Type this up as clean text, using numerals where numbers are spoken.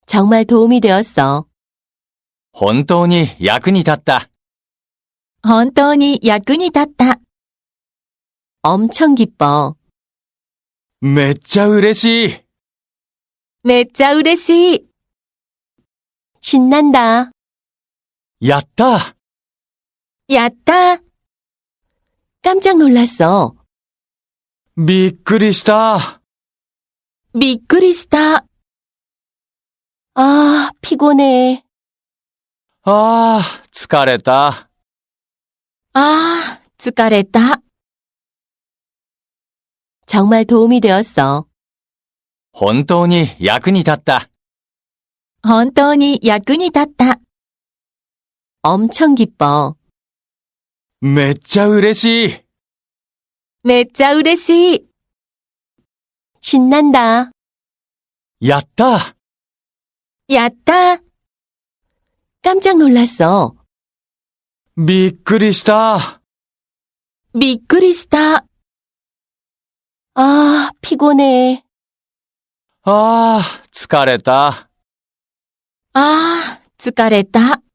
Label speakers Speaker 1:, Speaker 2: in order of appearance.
Speaker 1: 정말 도움이 되었어.
Speaker 2: 本当に役に立った。
Speaker 3: 本当に役に立った。
Speaker 1: 엄청 기뻐.
Speaker 2: めっちゃ嬉しい。
Speaker 3: めっちゃ嬉しい。
Speaker 1: 신난다.
Speaker 2: やった。
Speaker 3: やった。
Speaker 1: 깜짝 놀랐어.
Speaker 2: びっくりした。
Speaker 3: びっくりした。
Speaker 1: 아, 피곤해.
Speaker 2: ああ、疲れた。
Speaker 3: 疲れた。
Speaker 1: 정말 도움이 되었어.
Speaker 2: 本当に役に立った。
Speaker 3: 本当に役に立った。
Speaker 1: 엄청 기뻐.
Speaker 2: めっちゃ嬉しい。
Speaker 3: めっちゃ嬉しい。
Speaker 1: 신난다.
Speaker 2: やった。
Speaker 3: やった。
Speaker 1: 깜짝 놀랐어.
Speaker 2: びっくりした。
Speaker 3: びっくりした。
Speaker 1: 아, 피곤해.
Speaker 2: ああ、疲れた。
Speaker 3: 疲れた。